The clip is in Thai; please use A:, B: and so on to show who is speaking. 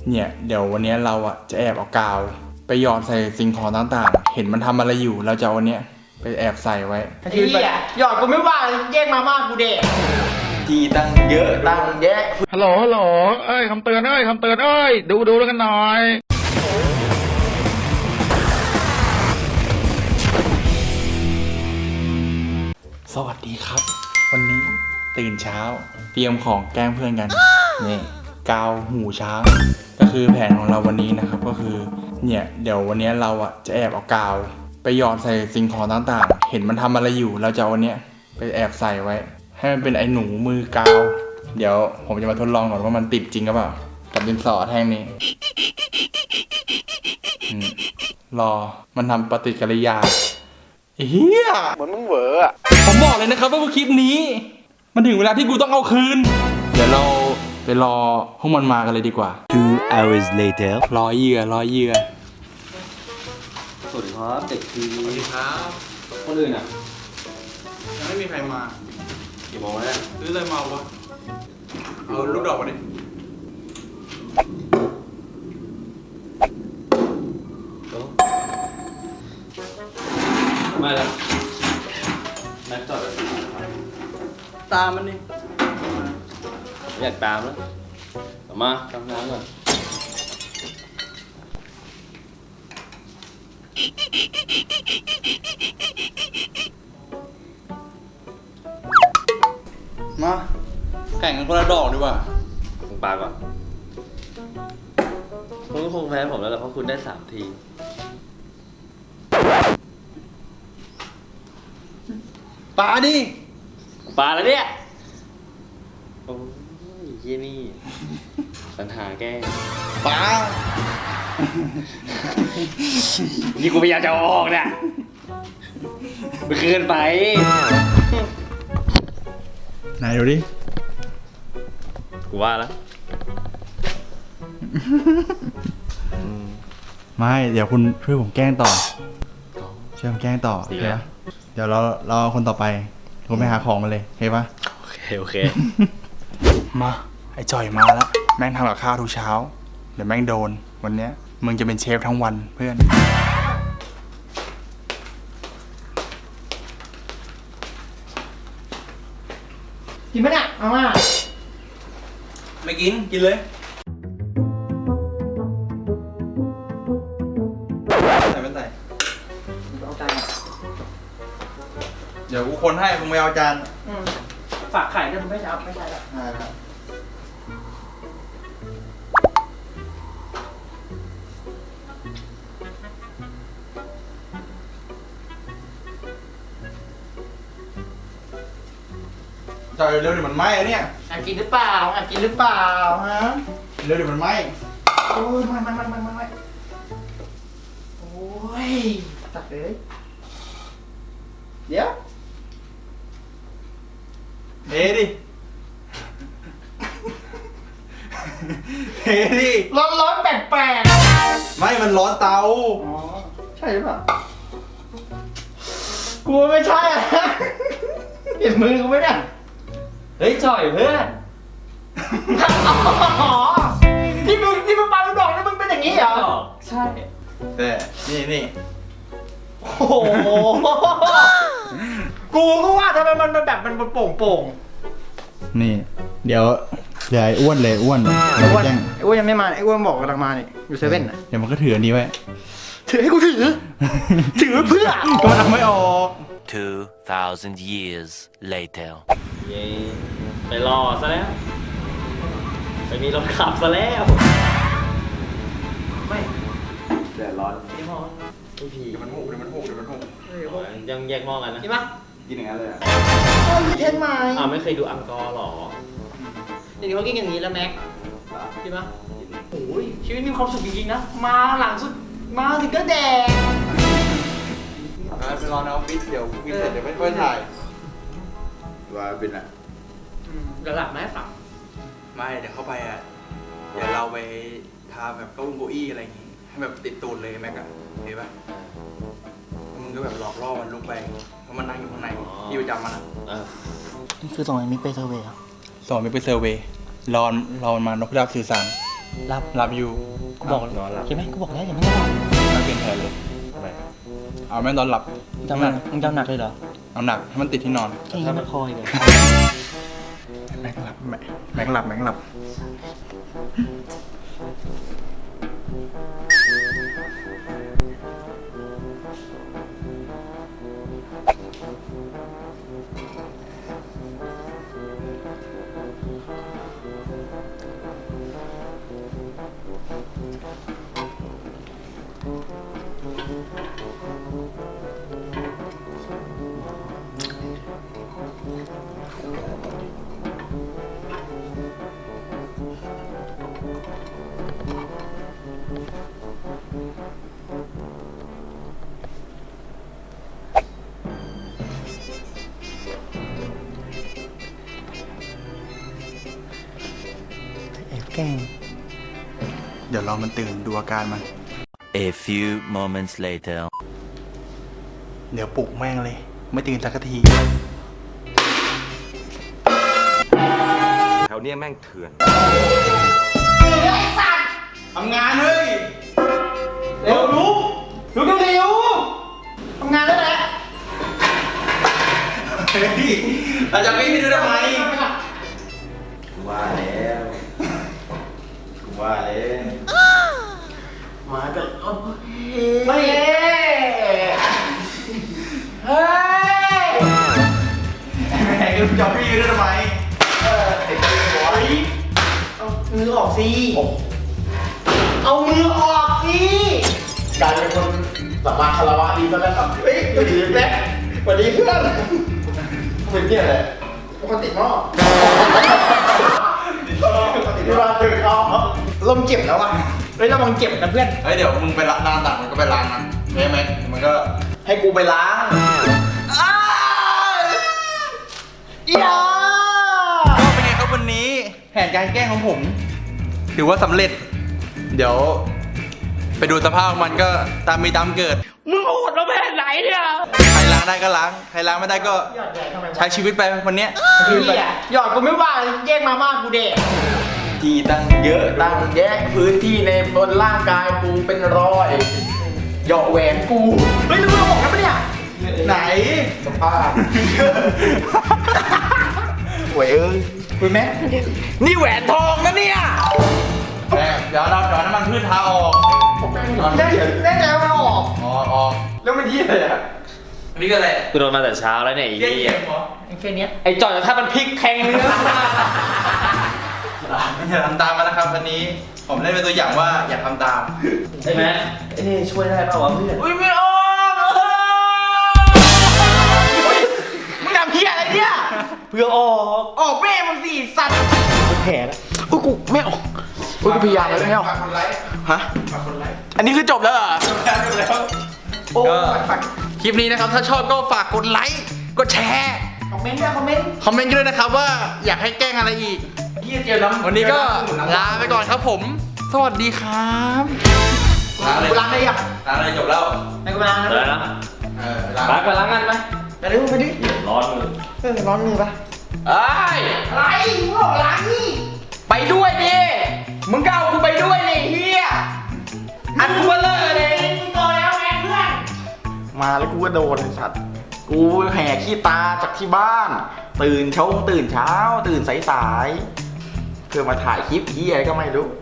A: เนี่ยเดี๋ยววันนี้เราจะแอบเอากาวไปหยอดใส่สิ่งของต่างๆเห็นมันทำอะไรอยู่เราจะเอาวันนี้ไปแอบใส่ไว้
B: ไอ้เหี้ยหยอดกูไม่ว่าแย่งมาม่ากูเด็ก
A: ทีตั้งเยอะ
B: ตั้งแยะ
C: ฮัลโหลเอ้ยคำเตือนดูแล้วกันหน่อย
A: สวัสดีครับ วันนี้ตื่นเช้าเตรียมของแกล้งเพื่อนกันนี่กาวหูช้างก็คือแผนของเราวันนี้นะครับก็คือเนี่ยเดี๋ยววันนี้เราจะแอบเอากาวไปหยอดใส่สิ่งของต่างๆเห็นมันทำอะไรอยู่เราจะเอาวันนี้ไปแอบใส่ไว้ให้มันเป็นไอ้หนูมือกาวเดี๋ยวผมจะมาทดลองก่อนว่ามันติดจริงหรือเปล่ากับดินสอแท่งนี้รอมันทำปฏิกิริยาเฮีย
C: เหมือนมึงเหวอ
A: ผมบอกเลยนะครับว่าคลิปนี้มันถึงเวลาที่กูต้องเอาคืนเดี๋ยวเราไปรอพวกมันมากันเลยดีกว่า
D: 2 hours later
A: รอเหยื่อ
E: สวัสดีครับเด็กที
A: สวัสดีครับ
E: คนอื่นอ่ะ
A: ยังไม่มีใครมา
E: กี่โมงแล้วเนี่ย
A: ซื้ออะไรมาวะเอาลูกดอกมาดิ
E: มาแล้วแม็กจอดเลย
B: ตามมันนี่
E: อยากตามแล้วมาทำน้ำก่อน
A: มาแข่งกันคนละดอกดีกว่า
E: คุณปาก่อนคุณก็คงแพ้ผมแล้วแหละเพราะคุณได้3 ที
A: ปาดิ
E: ปาแล้วเนี่ยโอ้ยยี่นี่ปัญหาแก้
A: ปา
E: นี่กูพยายามจะเอาออกเนี่ยมันเกินไป
A: ไหนดูดิ
E: กูว่าแล้ว
A: ไม่เดี๋ยวคุณช่วยผมแกล้งต่อช่วยผมแกล้งต่อโอเคปะเดี๋ยวเราคนต่อไปผมไปหาของมาเลยโอเคปะ
E: โอเค
A: มาไอ้จ่อยมาแล้วแม่งทำกับข้าวทุกเช้าเดี๋ยวแม่งโดนวันเนี้ยมึงจะเป็นเชฟทั้งวันเพื่อน
B: กินไหมเนี่ยมาม่า
A: ไม่กินเลยใส่ไม่ใส่
B: เอาจาน
A: เดี๋ยวกูคนให้มึงไปเอาจาน
B: ฝากไข่ด้วยมึงไม่ใช่ไม่ใช่หรอก
A: จ่อยเร็วเดี๋ยวมันไหม้อะเนี่ย
B: กินหรือเปล่ากินหรือเปล่าฮะ
A: เร็วเดี๋ยวมันไหม้
B: โอ้ยไม่โอ้ยสัตว์เลยเดี๋ยว
A: เทดิเทดิ
B: ร้อนแปลก
A: ไม่มันร้อนเตา
B: อ๋อใช่หรือเปล่ากูไม่ใช่อ่ะเห็นมือกูไหมเนี่ย
E: เฮ้ยจ่อยเพื่อน
B: อ๋อที่มึงปาลูกดอกนี่มึงเป็นอย่างนี้เหรอ
E: ใช่
A: แต่นี่
B: โอ้โหกูก็ว่าทำไมมันแบบมันโป่ง
A: นี่เดี๋ยวเหลือไอ้อ้วนเลยอ้วน
B: ไอ้อ้วนยังไม่มาไอ้อ้วนบอกกำลังมานี่อยู่เซเว่นนะ
A: เดี๋ยวมันก็ถืออันนี้ไว้
B: ถือให้กูถือเพื่อ
A: ก็มันทำไม่ออก
D: 2,000 years later
E: เย้ไปรอซะแล้วไปมีรถขับซะแล้ว
B: ไม่
E: เดือดร้อน
B: ไม่พอ
E: ไม่พี
A: เดี๋ยวมันหก
E: ยังแยกหม้อกันนะ
B: กินปะ
A: กินอย่างนั้นเลย
B: มีเทนไหม
E: ไม่เคยดูอังกอร์หรอ
B: เดี๋ยวเขากินอย่างนี้แล้วแม็กกินปะโอ้ยชีวิตมีความสุขจริงๆนะมาหลังสุดมาถึงก็แดง
A: ไปรอในออฟฟิศเดี๋ยวกินเสร็จเดี๋ยวไม่ค่อยถ่ายว่าเป็นอะ
B: เดี๋ยวหลับไหมฝัง
A: ไม่เดี๋ยวเข้าไปเดี๋ยวเราไปทาแบบเก้าอี้อะไรอย่างงี้ให้แบบติดตูดเลยแม็กอะเห็นปะมึงก็แบบหลอกล่อมันลุกไปเพราะมันนั่งอยู่ข้างในที่ประจำมัน
B: นี่คือส่งไอ้มิกไปเซอร์เวย์
A: ส่งมิกไปเซอร์เวย์รอมันมานกพิราบสื่อสาร
B: หลับ
A: หลับอยู่
B: กูบอก
E: นอนหลับ
B: ใช่ไหมกูบอกแล้วอย่าไม่หลับ
A: ไม่เปลี่ยนแผนเลย
E: ทำไม
A: เอาแม่งตอนหลับ
B: มึงจำหนักมึงจำหนักเลยเหรอ
A: เอาหนักให้มันติดที่นอน
B: แค่นี้มันพออีกเหรอ
A: แม็กหลับแม็กหลับแม็กหลับ
B: แอบแกล้ง
A: เดี๋ยวรอมันตื่นดูอาการมัน
D: A few moments later.
A: เดี๋ยวปลุกแม่งเลย ไม่ตื่นสักที
C: แถวเนี้ยแม่งเถื่อน
A: ทำงานเฮ้ย
B: เร็วลุกเร็วทำงานได้แล้ว
A: เฮ้ยเราจะไม่ดูทำไม
E: ว่าแล้วกูว่าแล้ว
B: มากันไม่เฮ้ย
A: แม่งจะไม่ดูทำไม
B: เอามือออกสิเอามือออกสิ
F: กลายเป็นคนสัมมาคารวะดีซะแล้วครับเฮ้ยสวัสดีแม็กสวัสดีเพื่อนเป็นเนี่ยแหละปกติหม้อที่บ้านถึงเอาลมเจ็บแล้วอ่ะ
B: เฮ้ยระวังเจ็บนะเพื่อน
A: เฮ้ยเดี๋ยวมึงไปล้างตักมันก็ไปล้างนะใช่ไหมมันก็
F: ให้กูไปล้าง
B: อย่า
A: ก็เป็นไงครับวันนี้แผนการแกล้งของผม ถือว่าสำเร็จ เดี๋ยว ไปดูสภาพมันก็ตามมีตามเกิด
B: มึงโหดเราแค่ไหนเนี่ย
A: ใครล้างได้ก็ล้าง ใครล้างไม่ได้ก็ใช้ชีวิตไปวันเนี้ย
B: หยอดกูไม่ว่าแย่งมาม่ากูเด็ก
F: ที่ตั้งเยอะตั้งแยะพื้นที่ในบนร่างกายกูเป็นร้อยเหยาะแหวนกู
B: เฮ้ยมึงบอกแล้วปะเนี่ย
A: ไหน
F: สภาพหวยเอ้ย
B: คุยไหม
F: นี่แหวนทองนะเนี่ย
A: เดี๋ยวเราน้ำมันพืชทาออก
B: แน่ใจว่ามันออก
A: ออก
F: แล้วมันที่อะไรอ่ะ
A: นี่ก็แหละ
E: กูโดนมาแต่เช้าแล้วเนี่ยไอ้
A: เยี่ย
E: เหี้ย
A: มเหรอ
B: แค่เนี้ย
E: ไอ้จอดถ้ามันพลิกแทงเนื้อ
A: อย่าทำตามมันนะครับวันนี้ ผมเล่นเป็นตัวอย่างว่าอย่าทำตาม
E: ใช่ไหม
F: เอ้ช่วยได้ป่าวะเพื่อน
B: อุ้ยไม่ออกมึงทำเพี้ยอะไรเนี่ย
F: เพื่อออก
B: ออกแม่มึงสิสัตว์
F: แผลแล้วอุ้ยกูไม่ออกอุ้ยกูพยายามแล้วไม่ออก
A: ฝากคนไลค์
F: ฮะ
A: ฝากคนไลค์
F: อันนี้คือจบแล้วเหรอ
A: แล้ว
F: โอ้
A: ก็คลิปนี้นะครับถ้าชอบก็ฝากกดไลค์กดแชร์
B: คอมเมนต์ด้วยคอมเมนต์
A: คอมเมนต์กันด้วยนะครับว่าอยากให้แกล้งอะไรอีก
F: เจียวน้ำ
A: วันนี้ก็ลาไปก่อนครับผม สวัสดีครับลาเลย
B: กูล้างได้ยัง
A: ลาเลยจบแล้ว
B: ให้กูล้างนะ
E: แล้วนะ
A: ลา
E: ไปล้างงานไป
B: ไปเร็วไปดิ
E: ร้อนมือ
B: ร้อนมือปะ
F: เอ้ย
B: อะไรมึงบอกล้างนี่
F: ไปด้วยดิมึงก็เอากูไปด้วยเลยเฮียอันกูเบลอเลย
B: มึงโตแล้วไงเพื่อน
F: มาแล้วกูก็โดนไอ้สัตว์กูแห่ขี้ตาจากที่บ้าน ตื่นเช้าตื่นสายๆเพื่อมาถ่ายคลิปเฮียอะไรก็ไม่รู้